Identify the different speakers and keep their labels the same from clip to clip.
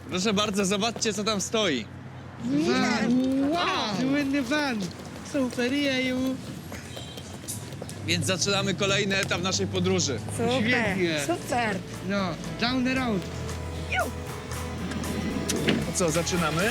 Speaker 1: Proszę bardzo, zobaczcie, co tam stoi.
Speaker 2: Wow! Słynny van! Super, jeju!
Speaker 1: Więc zaczynamy kolejny etap naszej podróży.
Speaker 2: Świetnie!
Speaker 3: Super!
Speaker 2: No, down the road!
Speaker 1: To co, zaczynamy?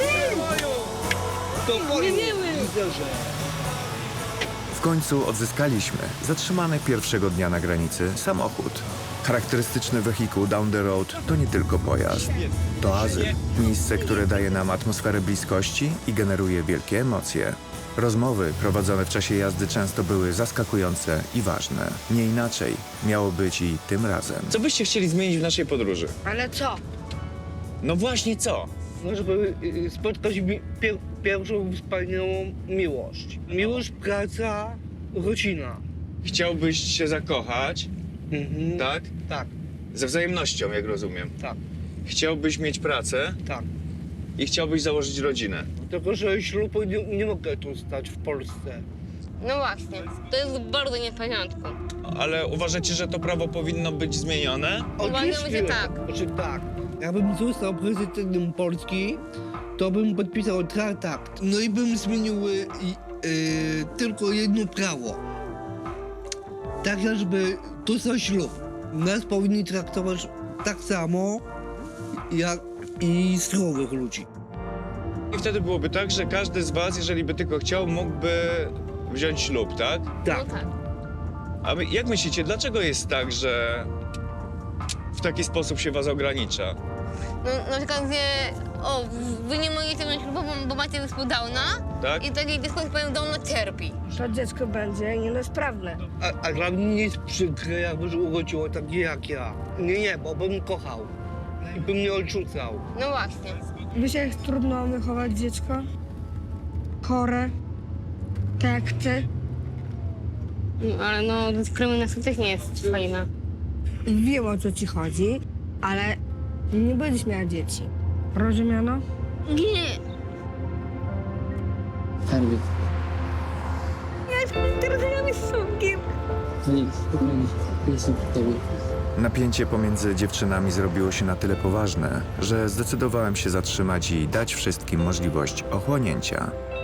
Speaker 4: W końcu odzyskaliśmy zatrzymany pierwszego dnia na granicy samochód. Charakterystyczny wehikuł Down the Road to nie tylko pojazd. To azyl. Miejsce, które daje nam atmosferę bliskości i generuje wielkie emocje. Rozmowy prowadzone w czasie jazdy często były zaskakujące i ważne. Nie inaczej miało być i tym razem.
Speaker 1: Co byście chcieli zmienić w naszej podróży?
Speaker 3: Ale co?
Speaker 1: No właśnie co?
Speaker 5: No, żeby spotkać pierwszą wspaniałą miłość. Miłość, praca, rodzina.
Speaker 1: Chciałbyś się zakochać,
Speaker 5: Mhm.
Speaker 1: tak?
Speaker 5: Tak,
Speaker 1: Ze wzajemnością, jak rozumiem.
Speaker 5: tak,
Speaker 1: Chciałbyś mieć pracę
Speaker 5: tak.
Speaker 1: i chciałbyś założyć rodzinę.
Speaker 5: Tylko, że ślubu nie mogę tu stać w Polsce.
Speaker 6: No właśnie, to jest bardzo nie w porządku.
Speaker 1: Ale uważacie, że to prawo powinno być zmienione?
Speaker 6: Uważamy, że tak.
Speaker 5: Znaczy tak. Jakbym został prezydentem Polski, to bym podpisał traktat. No i bym zmienił tylko jedno prawo. Tak, żeby to za ślub. Nas powinni traktować tak samo, jak i zdrowych ludzi.
Speaker 1: I wtedy byłoby tak, że każdy z was, jeżeli by tylko chciał, mógłby wziąć ślub, tak?
Speaker 5: Tak.
Speaker 6: No tak.
Speaker 1: A jak myślicie, dlaczego jest tak, że w taki sposób się was ogranicza?
Speaker 6: No, na przykład, że wy nie możecie mieć ślubu, bo macie zespół Downa
Speaker 1: Tak?
Speaker 6: i takie dziecko z powiem Downa cierpi.
Speaker 3: To dziecko będzie niepełnosprawne.
Speaker 5: A dla mnie nie jest przykre, jakby się urodziło takie jak ja. Nie, bo bym kochał. I bym nie odrzucał.
Speaker 6: No właśnie.
Speaker 3: Wiesz, jak trudno wychować dziecko? Chore. Tak jak ty.
Speaker 6: No, ale no, dyskryminacja też nie jest fajna.
Speaker 3: Wiem, o co ci chodzi, ale nie będziesz miała dzieci. Rozumiano?
Speaker 6: Nie.
Speaker 7: Skarbie.
Speaker 3: Teraz ja z sumkiem.
Speaker 7: To nic, spokojnie. Jestem przy tobie.
Speaker 4: Napięcie pomiędzy dziewczynami zrobiło się na tyle poważne, że zdecydowałem się zatrzymać i dać wszystkim możliwość ochłonięcia.